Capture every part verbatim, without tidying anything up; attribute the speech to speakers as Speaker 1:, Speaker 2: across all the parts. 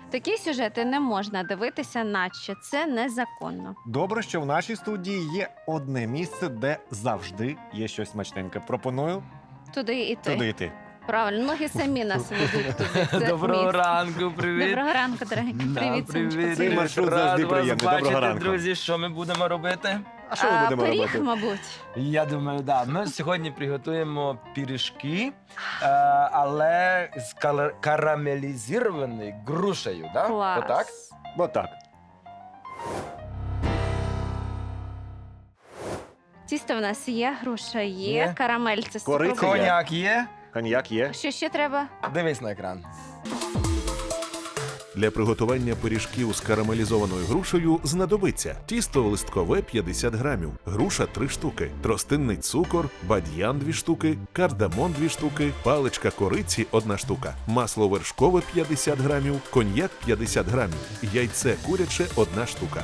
Speaker 1: Такі сюжети не можна дивитися, наче це незаконно.
Speaker 2: Добре, що в нашій студії є одне місце, де завжди є щось смачненьке. Пропоную
Speaker 1: Туди і ти.
Speaker 2: туди йти.
Speaker 1: Правильно, ноги самі нас ведуть туди. Це
Speaker 3: Доброго
Speaker 1: місце.
Speaker 3: ранку, привіт.
Speaker 1: Доброго ранку, дорогі.
Speaker 3: Да,
Speaker 1: Привіт, сонечко.
Speaker 2: Цей маршрут завжди
Speaker 3: Рад вас
Speaker 2: приємний. Доброго
Speaker 3: бачити,
Speaker 2: ранку.
Speaker 3: друзі. Що ми будемо робити?
Speaker 2: А що ми будемо
Speaker 1: пиріг,
Speaker 2: робити?
Speaker 1: мабуть.
Speaker 3: Я думаю, да. Ми сьогодні приготуємо пиріжки, е, але з кала- карамелізованою грушею, да?
Speaker 1: Клас.
Speaker 3: Отак?
Speaker 2: Отак.
Speaker 1: Тісто в нас є, груша є,
Speaker 3: Є.
Speaker 1: карамель це
Speaker 2: Кориця
Speaker 1: супер.
Speaker 2: є.
Speaker 3: Коняк є?
Speaker 2: Коньяк є.
Speaker 1: Що ще треба?
Speaker 3: Дивись на екран.
Speaker 4: Для приготування пиріжків з карамелізованою грушею знадобиться тісто листкове п'ятдесят грамів, груша три штуки, тростинний цукор, бадьян дві штуки, кардамон дві штуки, паличка кориці одна штука, масло вершкове п'ятдесят грамів, коньяк п'ятдесят грамів, яйце куряче одна штука.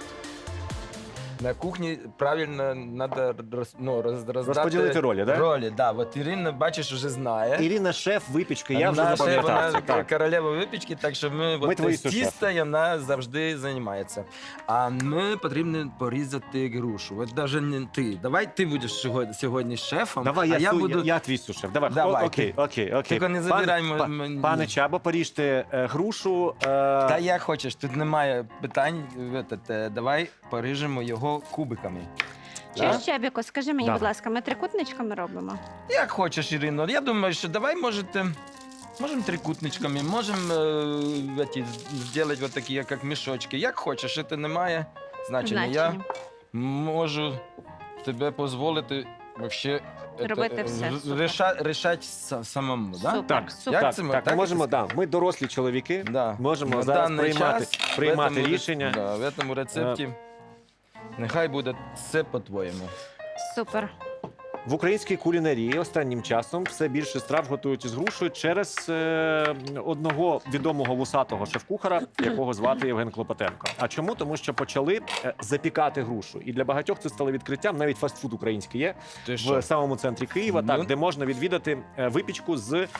Speaker 3: На кухні правильно треба роз, ну, роз, роздати
Speaker 2: Розподілити ролі, да?
Speaker 3: Ролі, да. От Ірина, бачиш, вже знає.
Speaker 2: Ірина шеф випічки, я вже
Speaker 3: Наша,
Speaker 2: запам'ятав.
Speaker 3: вона
Speaker 2: це, так.
Speaker 3: королева випічки, так що ми,
Speaker 2: Ми
Speaker 3: от,
Speaker 2: твої
Speaker 3: з
Speaker 2: сушефи.
Speaker 3: тіста і вона завжди займається. А ми потрібно порізати грушу. От навіть не ти. Давай ти будеш сьогодні, сьогодні шефом,
Speaker 2: Давай,
Speaker 3: а
Speaker 2: я,
Speaker 3: я
Speaker 2: су-
Speaker 3: буду...
Speaker 2: я, я твій сушеф. Давай,
Speaker 3: Давай,
Speaker 2: О, окей,
Speaker 3: ти.
Speaker 2: окей, окей.
Speaker 3: Тільки не
Speaker 2: Пане-
Speaker 3: забирай
Speaker 2: па-
Speaker 3: м-
Speaker 2: Пане Чабо, поріжте е, грушу. Е...
Speaker 3: Та як хочеш, тут немає питань. Этот, е, Давай поріжемо його кубиками.
Speaker 1: Чи
Speaker 3: Да?
Speaker 1: Чебіко, скажи мені,
Speaker 2: Да.
Speaker 1: будь ласка, ми трикутничками робимо?
Speaker 3: Як хочеш, Ірино. Я думаю, що давай можете... Можемо трикутничками, можемо е, эти, зробити вот такі, як мішочки. Як хочеш, це не має значення. Я
Speaker 1: Значення.
Speaker 3: можу тебе дозволити вообще
Speaker 1: Робити все, супер.
Speaker 3: рішати рішать са- самому. Да?
Speaker 1: Супер,
Speaker 2: Так,
Speaker 1: супер.
Speaker 3: Як
Speaker 2: Так,
Speaker 3: це ми-
Speaker 2: так,
Speaker 3: так
Speaker 2: ми можемо,
Speaker 3: це
Speaker 2: да, ми дорослі чоловіки,
Speaker 3: Да.
Speaker 2: можемо
Speaker 3: На
Speaker 2: зараз
Speaker 3: даний
Speaker 2: приймати,
Speaker 3: час
Speaker 2: приймати
Speaker 3: в этому ре-
Speaker 2: рішення.
Speaker 3: Да, в цьому рецепті нехай буде все по-твоєму.
Speaker 1: Супер.
Speaker 2: В українській кулінарії останнім часом все більше страв готують із грушею через е, одного відомого вусатого шеф-кухара, якого звати Євген Клопотенко. А чому? Тому що почали е, запікати грушу. І для багатьох це стало відкриттям. Навіть фастфуд український є
Speaker 3: Ти
Speaker 2: в
Speaker 3: що?
Speaker 2: самому центрі Києва,
Speaker 3: Ну.
Speaker 2: так, де можна відвідати е, випічку з. Е,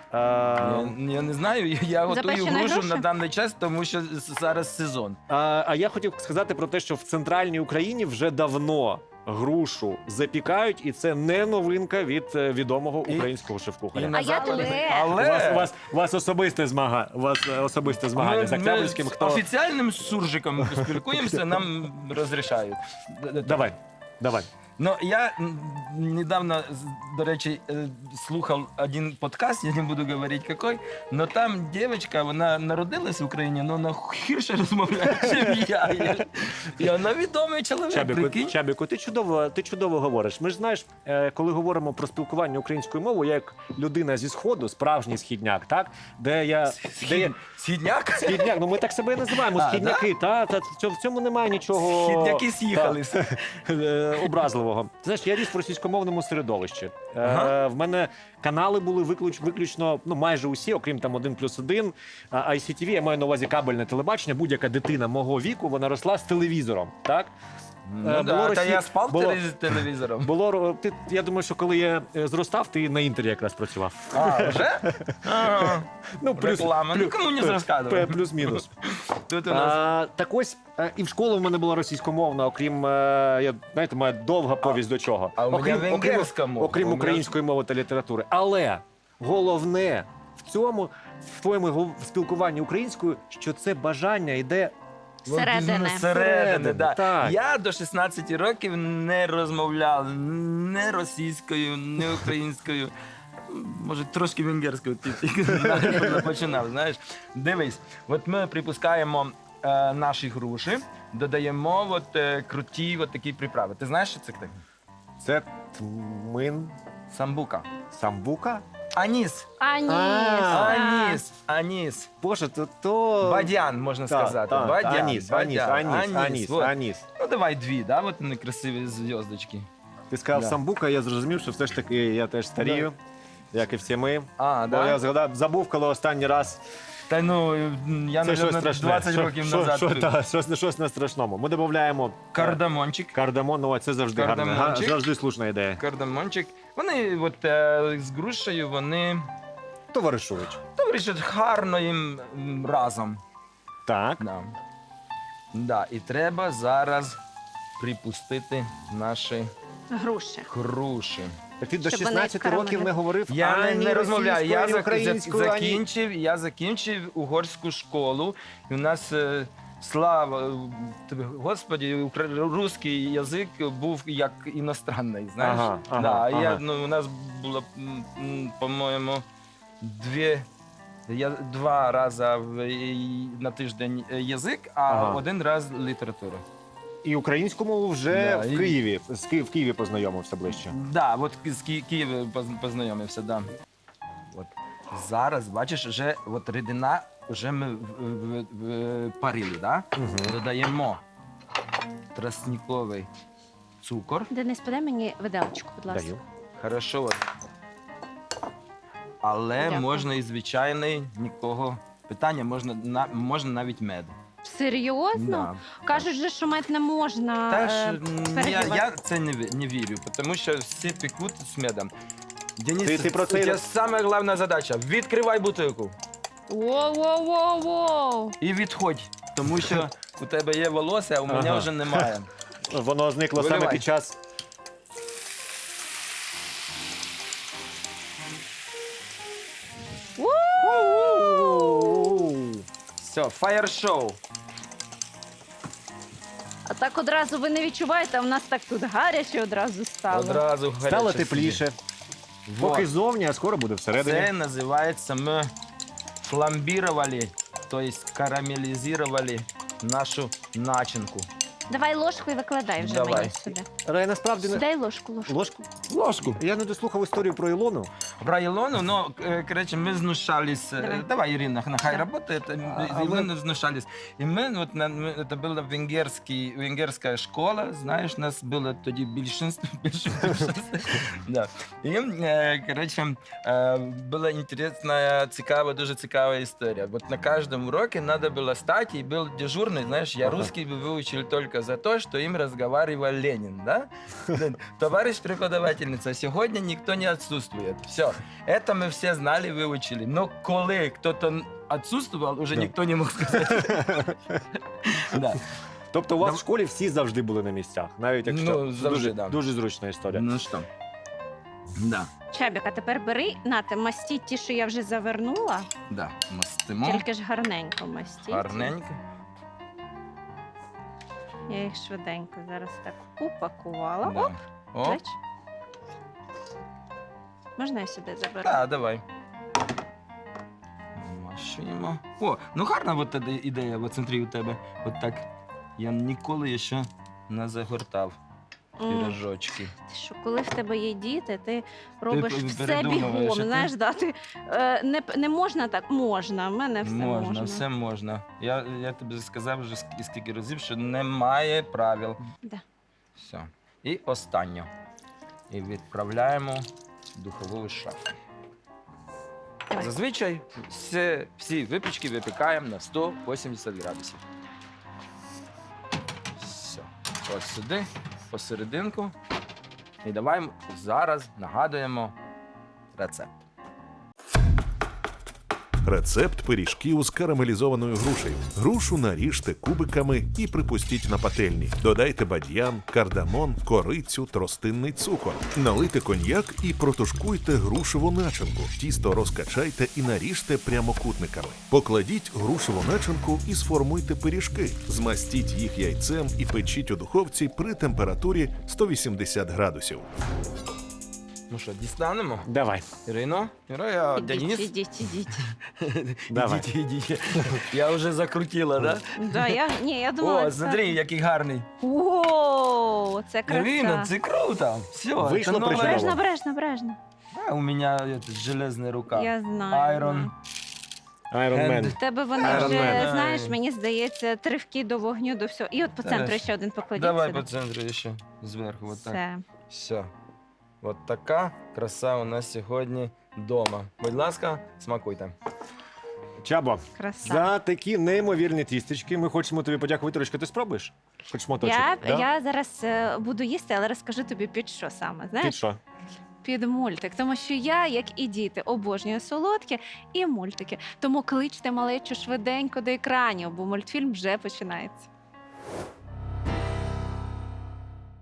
Speaker 3: Я, я не знаю, я готую
Speaker 1: Запечена
Speaker 3: грушу
Speaker 1: груша?
Speaker 3: на даний час, тому що з- зараз сезон.
Speaker 2: А, а я хотів сказати про те, що в центральній Україні вже давно грушу запікають, і це не новинка від е, відомого
Speaker 3: І-
Speaker 2: українського шеф-кухаря.
Speaker 3: І на
Speaker 1: А я
Speaker 3: Западі-
Speaker 1: тебе.
Speaker 2: У вас, у
Speaker 3: Але
Speaker 2: вас, у вас особисте змага, у вас е, особисте змагання
Speaker 3: ми,
Speaker 2: з
Speaker 3: ми
Speaker 2: Октябрьським.
Speaker 3: з
Speaker 2: Хто
Speaker 3: офіціальним суржиком спілкуємося, нам розрішають.
Speaker 2: давай, давай.
Speaker 3: Ну, я м, недавно, з- до речі, е, слухав один подкаст, я не буду говорити який, але там дівчинка, вона народилась в Україні, але вона гірше розмовляє, ніж я. І- І вона відомий чоловік,
Speaker 2: Чабіку,
Speaker 3: прикинь.
Speaker 2: Чабіку, ти чудово, ти чудово говориш. Ми ж знаєш, е, коли говоримо про спілкування українською мовою, я як людина зі сходу, справжній східняк, так де я де я
Speaker 3: Східняк?
Speaker 2: східняк, ну ми так себе і називаємо.
Speaker 3: А,
Speaker 2: Східняки, та, та в цьому- в цьому немає нічого
Speaker 3: Східняки з'їхалися.
Speaker 2: е, образливого. Ти знаєш, я ріс в російськомовному середовищі. Е,
Speaker 3: Ага.
Speaker 2: В мене канали були виключ, виключно, ну майже усі, окрім там один плюс один. А ай сі ті ві, я маю на увазі кабельне телебачення. Будь-яка дитина мого віку, вона росла з телевізором. Так
Speaker 3: Ну,
Speaker 2: Е,
Speaker 3: да,
Speaker 2: було
Speaker 3: та
Speaker 2: Росі-
Speaker 3: я спав
Speaker 2: було-
Speaker 3: телевіз- телевізором.
Speaker 2: було ро- ти. Я думаю, що коли я е, зростав, ти на інтері якраз працював.
Speaker 3: А, вже? А,
Speaker 2: Ну
Speaker 3: реклама. Ну, кому не
Speaker 2: плюс-
Speaker 3: розказував.
Speaker 2: плюс-мінус.
Speaker 3: Тут у нас
Speaker 2: А, так ось е, і в школу в мене була російськомовна, окрім е, я знаєте, моя довга повість до чого.
Speaker 3: а у мене
Speaker 2: окрім, окрім,
Speaker 3: венгерська мова.
Speaker 2: окрім
Speaker 3: У мене-
Speaker 2: української мови та літератури. Але головне в цьому, в твоєму гов- спілкуванні українською, що це бажання йде.
Speaker 1: Зсередини.
Speaker 3: Зсередини, да.
Speaker 2: Так.
Speaker 3: Я до шістнадцяти років не розмовляв не російською, не українською. Може, трошки венгерською ти тільки починав, знаєш. Дивись, от ми припускаємо е, наші груші, додаємо от, е, круті от такі приправи. Ти знаєш, що це таке?
Speaker 2: Це тмин,
Speaker 3: Самбука.
Speaker 2: самбука.
Speaker 3: Аніс.
Speaker 1: Аніс.
Speaker 2: А.
Speaker 3: Аніс. Аніс.
Speaker 2: Боже, то то
Speaker 3: Бадян, можна
Speaker 2: Так,
Speaker 3: сказати.
Speaker 2: так,
Speaker 3: Бадян,
Speaker 2: аніс, аніс,
Speaker 3: бадян,
Speaker 2: аніс, аніс,
Speaker 3: вот.
Speaker 2: аніс.
Speaker 3: Ну давай дві, да? От вони красиві зв'язочки.
Speaker 2: Ти сказав
Speaker 3: Да.
Speaker 2: самбука, я зрозумів, що все ж таки я теж старію, як і всі ми.
Speaker 3: А,
Speaker 2: Бо
Speaker 3: да?
Speaker 2: я згадав, забув, коли останній раз.
Speaker 3: Та ну, я,
Speaker 2: Це щось
Speaker 3: мабуть,
Speaker 2: страшне.
Speaker 3: двадцять
Speaker 2: Що-
Speaker 3: років
Speaker 2: що-
Speaker 3: назад.
Speaker 2: Що, та, щось, щось на страшному. Ми додаємо
Speaker 3: Кардамончик.
Speaker 2: кардамон, ну це завжди гарна, га-
Speaker 3: Кардамончик.
Speaker 2: завжди слушна ідея.
Speaker 3: Кардамончик. Вони от, е, з грушею, вони
Speaker 2: Товаришують.
Speaker 3: товаришать гарно їм м, разом.
Speaker 2: Так.
Speaker 3: Да. Да. І треба зараз припустити наші
Speaker 1: Груші.
Speaker 3: груші.
Speaker 2: Так ти до
Speaker 1: Щоб вони
Speaker 2: шістнадцяти років не говорив
Speaker 3: Я не,
Speaker 2: ані
Speaker 3: не розмовляю. Я
Speaker 2: російською,
Speaker 3: зак-
Speaker 2: ані
Speaker 3: зак-
Speaker 2: українською, ані...
Speaker 3: закінчив, я закінчив угорську школу. І у нас, е, слава тобі, Господі, укра- русський язик був як іностранний, знаєш?
Speaker 2: Ага, ага,
Speaker 3: да,
Speaker 2: ага.
Speaker 3: Я, ну, у нас було, м, м, по-моєму, дві, я, два рази в, і- на тиждень язик, а
Speaker 2: Ага.
Speaker 3: один раз література.
Speaker 2: І українську мову вже
Speaker 3: Да,
Speaker 2: в
Speaker 3: і-
Speaker 2: Києві, з Ки- в Києві познайомився ближче.
Speaker 3: Да, от з Ки- Києва поз- познайомився, да. От. Зараз, бачиш, вже от рідина вже ми в, в, в, парили, да?
Speaker 2: Угу.
Speaker 3: Додаємо тростниковий цукор.
Speaker 1: Денис, подай мені виделочку, будь ласка.
Speaker 2: Даю.
Speaker 3: Хорошо. От. Але
Speaker 1: Дякую.
Speaker 3: можна і звичайний, нікого. Питання можна, на, можна навіть мед.
Speaker 1: Серйозно?
Speaker 3: Да.
Speaker 1: Кажуть же, що мед не можна.
Speaker 3: Теж
Speaker 1: е,
Speaker 3: м, я,
Speaker 1: перегрівати.
Speaker 3: я це не, ві- не вірю, тому що всі пекуть з медом. Денис,
Speaker 2: Ти- ти про
Speaker 3: у
Speaker 2: це й-
Speaker 3: тебе саме головна задача. Відкривай бутилку
Speaker 1: Воу-воу-воу-воу.
Speaker 3: і відходь, тому що у тебе є волосся, а у мене
Speaker 2: Ага.
Speaker 3: вже немає.
Speaker 2: Воно зникло саме
Speaker 3: Виливай.
Speaker 2: під час.
Speaker 3: Все, фаєр-шоу.
Speaker 1: А так одразу ви не відчуваєте, а в нас так тут гаряче одразу стало.
Speaker 3: Одразу гаряче
Speaker 2: Стало
Speaker 3: собі.
Speaker 2: тепліше.
Speaker 3: Вот.
Speaker 2: Поки зовні, а скоро буде всередині.
Speaker 3: Це називається ми фламбірували, тобто карамелізували нашу начинку.
Speaker 1: Давай ложку і викладай вже
Speaker 3: Давай.
Speaker 1: мені сюди.
Speaker 2: Але я насправді не...
Speaker 1: Дай ложку, ложку.
Speaker 2: Ложку?
Speaker 3: Ложку.
Speaker 2: Я не дослухав історію про Ілону.
Speaker 3: Про Ілону, ну, е, коротше, ми знущались. е,
Speaker 1: Давай.
Speaker 3: Давай, Ірина, нехай
Speaker 1: Да.
Speaker 3: працює.
Speaker 2: А-
Speaker 3: І
Speaker 2: але-
Speaker 3: ми знущались. І ми, от, на, ми, це була венгерський, венгерська школа, знаєш, нас було тоді більшинство. більшинство. Да. І, е, коротше, е, була інтересна, цікава, дуже цікава історія. От на кожному уроці треба було стати, і був дежурний, знаєш, я
Speaker 2: Ага.
Speaker 3: русский выучил только за то, что им разговаривал Ленин, да? Товарищ преподавательница, сегодня никто не отсутствует. Все, это мы все знали, выучили. Но коли кто-то отсутствовал, уже
Speaker 2: Да.
Speaker 3: никто не мог сказать. Да.
Speaker 2: Тобто у вас
Speaker 3: Дав-
Speaker 2: в школі всі завжди були на місцях, навіть якщо
Speaker 3: Ну, завжди,
Speaker 2: дуже,
Speaker 3: да.
Speaker 2: дуже зручна історія.
Speaker 3: Ну что? Да,
Speaker 1: Чебік, а тепер бери, нате, мастіть ті, що я вже завернула,
Speaker 3: да. Мастимо.
Speaker 1: тільки ж гарненько мастіть.
Speaker 3: Гарненько.
Speaker 1: Я їх швиденько зараз так упакувала.
Speaker 3: Да.
Speaker 1: Оп,
Speaker 3: Оп.
Speaker 1: бач. Можна я сюди заберу?
Speaker 3: Да, давай. Машимо. О, ну гарна от тоді ідея в центрі у тебе. От так. Я ніколи ще не загортав
Speaker 1: М.
Speaker 3: пірожочки.
Speaker 1: Ти що, коли в тебе є діти, ти робиш
Speaker 3: пе-
Speaker 1: все
Speaker 3: передумуєш,
Speaker 1: бігом.
Speaker 3: а ти-
Speaker 1: Знаєш, да, ти, е, не, п- не можна так? Можна, в мене все можна.
Speaker 3: Можна, все можна. Я, я тобі сказав вже ск- скільки разів, що немає правил.
Speaker 1: Да.
Speaker 3: Все. І останнє. І відправляємо в духову шафу.
Speaker 1: Давай.
Speaker 3: Зазвичай всі, всі випічки випікаємо на сто вісімдесят градусів. Все. От сюди, посерединку. І давай зараз нагадуємо рецепт.
Speaker 4: Рецепт пиріжків з карамелізованою грушею. Грушу наріжте кубиками і припустіть на пательні. Додайте бадьян, кардамон, корицю, тростинний цукор. Налийте коньяк і протушкуйте грушеву начинку. Тісто розкачайте і наріжте прямокутниками. Покладіть грушеву начинку і сформуйте пиріжки. Змастіть їх яйцем і печіть у духовці при температурі сто вісімдесят градусів.
Speaker 3: Ну що, дістанемо?
Speaker 2: Давай.
Speaker 3: Ірино? Ірино,
Speaker 1: Ідіть,
Speaker 3: Денис?
Speaker 1: ідіть, ідіть.
Speaker 2: Давай.
Speaker 3: Ідіть, ідіть. Я вже закрутила, да?
Speaker 1: Да, я, ні, я думала,
Speaker 3: О,
Speaker 1: це...
Speaker 3: смотри, який гарний.
Speaker 1: О, це
Speaker 3: Ірино,
Speaker 1: краса.
Speaker 3: це круто. Все,
Speaker 2: Вийшло
Speaker 3: це нове.
Speaker 2: причудово.
Speaker 1: Бережно, бережно, бережно.
Speaker 3: А, у мене это, железна рука.
Speaker 1: Я знаю.
Speaker 3: Iron.
Speaker 2: Iron Man.
Speaker 3: Hand.
Speaker 1: В тебе вони
Speaker 2: Iron
Speaker 1: вже,
Speaker 2: Man.
Speaker 1: знаєш, мені здається, тривки до вогню, до всього. І от по
Speaker 3: Зараз.
Speaker 1: центру ще один покладіть
Speaker 3: Давай
Speaker 1: сюди.
Speaker 3: по центру ще зверху. Вот так.
Speaker 1: Все.
Speaker 3: Все. От така краса у нас сьогодні вдома. Будь ласка, смакуйте.
Speaker 2: Чабо,
Speaker 1: Краса.
Speaker 2: за такі неймовірні тістечки ми хочемо тобі подякувати. Ручка, ти спробуєш? Хоч моточок?
Speaker 1: Я,
Speaker 2: да?
Speaker 1: я зараз е, буду їсти, але розкажу тобі під що саме. Знаєш?
Speaker 2: Під що?
Speaker 1: під мультик, тому що я, як і діти, обожнюю солодке і мультики. Тому кличте малечу швиденько до екранів, бо мультфільм вже починається.